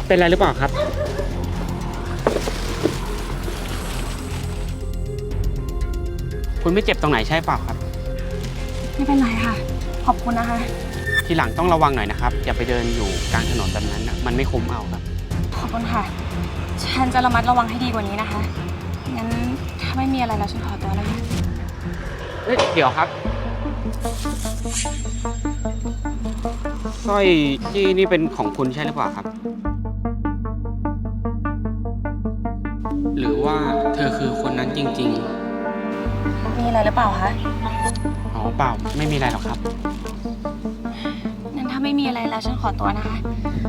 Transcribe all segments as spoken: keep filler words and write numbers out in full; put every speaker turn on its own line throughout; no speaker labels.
เป็นอะไรหรือเปล่าครับคุณไม่เจ็บตรงไหนใช่เปล่าครับ
ไม่เป็นไรค่ะขอบคุณนะคะ
ทีหลังต้องระวังหน่อยนะครับอย่าไปเดินอยู่กลางถนนแบบนั้นนะมันไม่คุ้มเอาครับ
ขอบคุณค่ะฉันจะระมัดระวังให้ดีกว่านี้นะคะงั้นถ้าไม่มีอะไรแล้วฉันขอตัวแล้วค่ะ
เฮ้ยเดี๋ยวครับสร้อยจี้นี่เป็นของคุณใช่หรือเปล่าครับหรือว่าเธอคือคนนั้นจริง
ๆมีอะไรหรือเปล่าคะ
อ๋อเปล่าไม่มีอะไรหรอกครับ
งั้นถ้าไม่มีอะไรแล้วฉันขอตัวนะคะ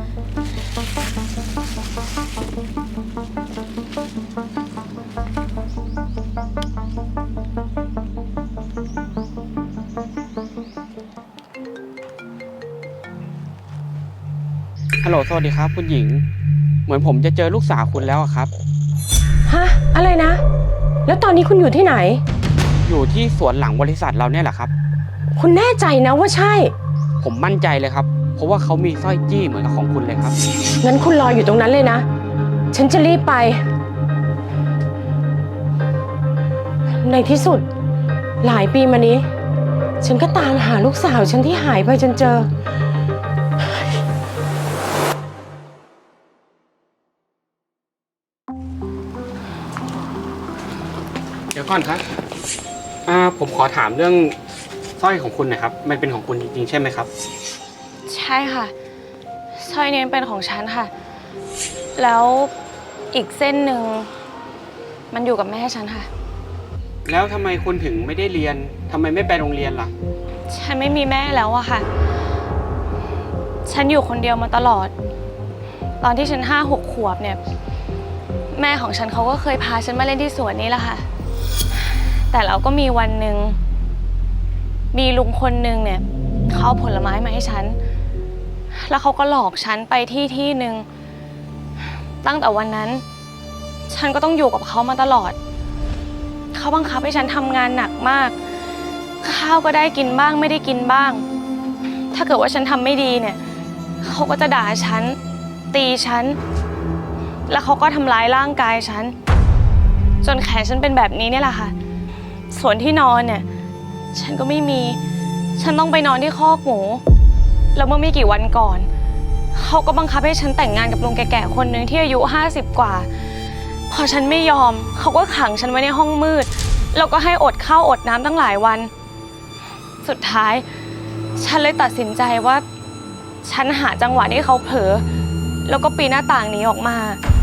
ฮัลโหลสวัสดีครับคุณหญิงเหมือนผมจะเจอลูกสาวคุณแล้วครับ
ฮะอะไรนะแล้วตอนนี้คุณอยู่ที่ไหน
อยู่ที่สวนหลังบริษัทเราเนี่ยแหละครับ
คุณแน่ใจนะว่าใช่
ผมมั่นใจเลยครับเพราะว่าเขามีสร้อยจี้เหมือนกับของคุณเลยครับ
งั้นคุณรออยู่ตรงนั้นเลยนะฉันจะรีบไปในที่สุดหลายปีมานี้ฉันก็ตามหาลูกสาวฉันที่หายไปจนเจอ
เดี๋ยวก่อนครับอ่าผมขอถามเรื่องสร้อยของคุณหน่อยครับมันเป็นของคุณจริงๆใช่ไหมครับ
ใช่ค่ะสร้อยนี้เป็นของฉันค่ะแล้วอีกเส้นหนึ่งมันอยู่กับแม่ฉันค่ะ
แล้วทำไมคุณถึงไม่ได้เรียนทำไมไม่ไปโรงเรียนล่ะ
ฉันไม่มีแม่แล้วอะค่ะฉันอยู่คนเดียวมาตลอดตอนที่ฉันห้าหกขวบเนี่ยแม่ของฉันเขาก็เคยพาฉันมาเล่นที่สวนนี้แหละค่ะแต่แล้วก็มีวันหนึ่งมีลุงคนหนึ่งเนี่ยเขาเอาผลไม้มาให้ฉันแล้วเขาก็หลอกฉันไปที่ที่หนึ่งตั้งแต่วันนั้นฉันก็ต้องอยู่กับเขามาตลอดเขาบังคับให้ฉันทำงานหนักมากข้าวก็ได้กินบ้างไม่ได้กินบ้างถ้าเกิดว่าฉันทำไม่ดีเนี่ยเขาก็จะด่าฉันตีฉันแล้วเขาก็ทำร้ายร่างกายฉันจนแขนฉันเป็นแบบนี้เนี่ยแหละค่ะส่วนที่นอนเนี่ยฉันก็ไม่มีฉันต้องไปนอนที่คอกหมูแล้วเมื่อไม่กี่วันก่อนเขาก็บังคับให้ฉันแต่งงานกับลุงแก่ๆคนหนึ่งที่อายุห้าสิบกว่าพอฉันไม่ยอมเขาก็ขังฉันไว้ในห้องมืดแล้วก็ให้อดข้าวอดน้ำตั้งหลายวันสุดท้ายฉันเลยตัดสินใจว่าฉันหาจังหวะที่เขาเผลอแล้วก็ปีนหน้าต่างหนีออกมา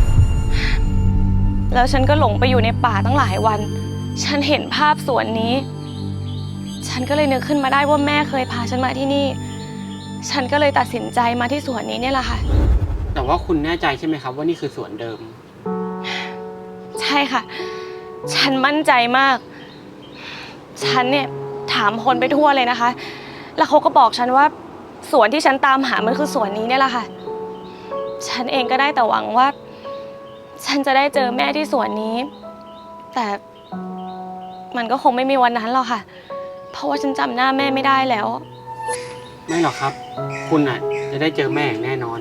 แล้วฉันก็หลงไปอยู่ในป่าตั้งหลายวันฉันเห็นภาพสวนนี้ฉันก็เลยนึกขึ้นมาได้ว่าแม่เคยพาฉันมาที่นี่ฉันก็เลยตัดสินใจมาที่สวนนี้เนี่ยแหละค่ะ
แต่ว่าคุณแน่ใจใช่ไหมครับว่านี่คือสวนเดิม
ใช่ค่ะฉันมั่นใจมากฉันเนี่ยถามคนไปทั่วเลยนะคะแล้วเขาก็บอกฉันว่าสวนที่ฉันตามหามันคือสวนนี้เนี่ยแหละค่ะฉันเองก็ได้แต่หวังว่าฉันจะได้เจอแม่ที่สวนนี้แต่มันก็คงไม่มีวันนั้นหรอกค่ะเพราะว่าฉันจำหน้าแม่ไม่ได้แล้ว
ไม่หรอกครับคุณอ่ะจะได้เจอแม่อย่างแน่นอน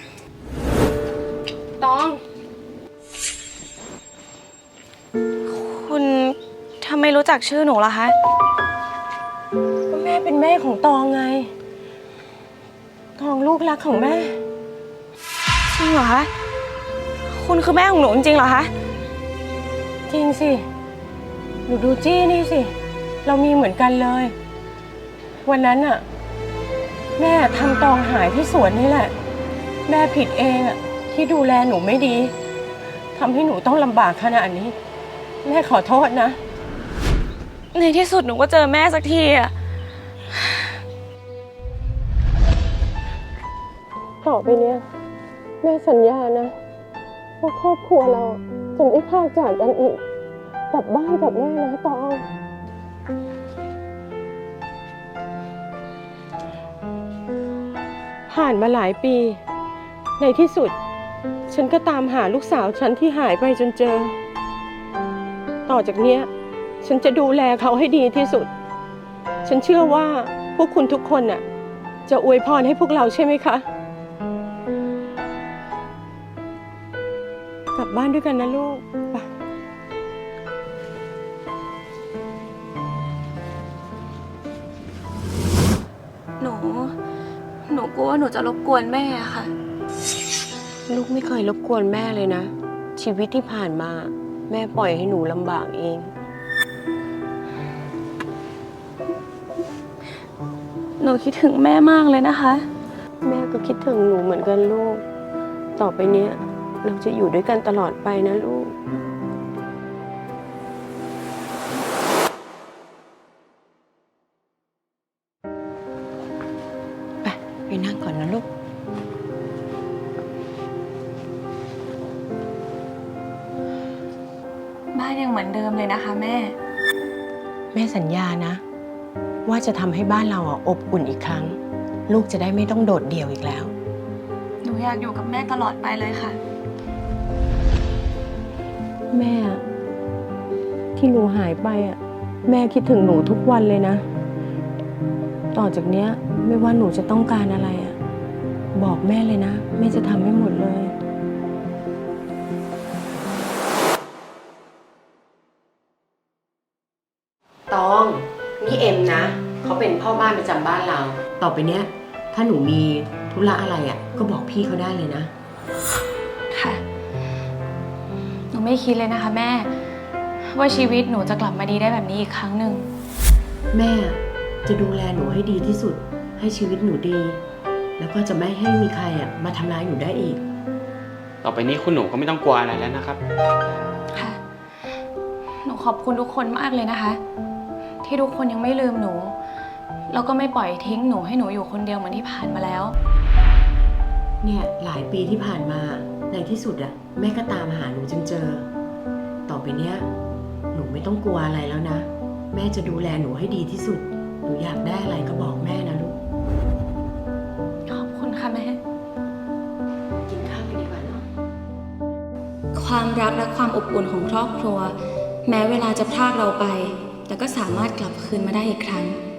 ตองคุณทำไมรู้จักชื่อหนูล่ะคะ
ก็แม่เป็นแม่ของตองไงตองลูกรักของแม่
จริงเหรอคะคุณคือแม่ของหนูจริงๆเหรอคะ
จริงสิหนูดูจี้นี่สิเรามีเหมือนกันเลยวันนั้นอะแม่ทำตองหายที่สวนนี่แหละแม่ผิดเองอะที่ดูแลหนูไม่ดีทำให้หนูต้องลำบากขนาดนี้แม่ขอโทษนะ
ในที่สุดหนูก็เจอแม่สักทีอะ
ต่อไปเนี้ยแม่สัญญานะว่าครอบครัวเราจะไม่พลากจากกันอีกกลับบ้านกับแม่นะตองผ่านมาหลายปีในที่สุดฉันก็ตามหาลูกสาวฉันที่หายไปจนเจอต่อจากเนี้ยฉันจะดูแลเขาให้ดีที่สุดฉันเชื่อว่าพวกคุณทุกคนน่ะจะอวยพรให้พวกเราใช่ไหมคะบ้านด้วยกันนะลูกไป
หนู หนูกลัวว่าหนูจะรบกวนแม่อะค่ะ
ลูกไม่เคยรบกวนแม่เลยนะ ชีวิตที่ผ่านมา แม่ปล่อยให้หนูลำบากเอง
หนูคิดถึงแม่มากเลยนะคะ
แม่ก็คิดถึงหนูเหมือนกันลูก ต่อไปเนี้ยเราจะอยู่ด้วยกันตลอดไปนะลูก ไป ไปนั่งก่อนนะลูก
บ้านยังเหมือนเดิมเลยนะคะแม่
แม่สัญญานะ ว่าจะทำให้บ้านเราอ่ะอบอุ่นอีกครั้ง ลูกจะได้ไม่ต้องโดดเดี่ยวอีกแล้ว
หนูอยากอยู่กับแม่ตลอดไปเลยค่ะ
แม่ที่หนูหายไปอ่ะแม่คิดถึงหนูทุกวันเลยนะ ต่อจากเนี้ยไม่ว่าหนูจะต้องการอะไรอ่ะบอกแม่เลยนะแม่จะทำให้หมดเลย ตองนี่เอ็มนะเขาเป็นพ่อบ้านประจำบ้านเรา ต่อไปเนี้ยถ้าหนูมีธุระอะไรอ่ะก็บอกพี่เขาได้เลยนะ
ค่ะ หนูไม่คิดเลยนะคะแม่ ว่าชีวิตหนูจะกลับมาดีได้แบบนี้อีกครั้งหนึ่ง
แม่จะดูแลหนูให้ดีที่สุดให้ชีวิตหนูดี แล้วก็จะไม่ให้มีใครอ่ะมาทำร้ายหนูได้อีก
ต่อไปนี้คุณหนูก็ไม่ต้องกลัวอะไรแล้วนะครับ
ค่ะ หนูขอบคุณทุกคนมากเลยนะคะ ที่ทุกคนยังไม่ลืมหนู แล้วก็ไม่ปล่อยทิ้งหนูให้หนูอยู่คนเดียวเหมือนที่ผ่านมาแล้ว
เนี่ยหลายปีที่ผ่านมาในที่สุดอ่ะแม่ก็ตามหาหนูจนเจอ ต่อไปเนี้ยหนูไม่ต้องกลัวอะไรแล้วนะ แม่จะดูแลหนูให้ดีที่สุด หนูอยากได้อะไรก็บอกแม่นะลูก
ขอบคุณค่ะแม่
กินข้าวกันดีกว่าเนาะ
ความรักและความอบอุ่นของครอบครัว แม้เวลาจะพรากเราไป แต่ก็สามารถกลับคืนมาได้อีกครั้ง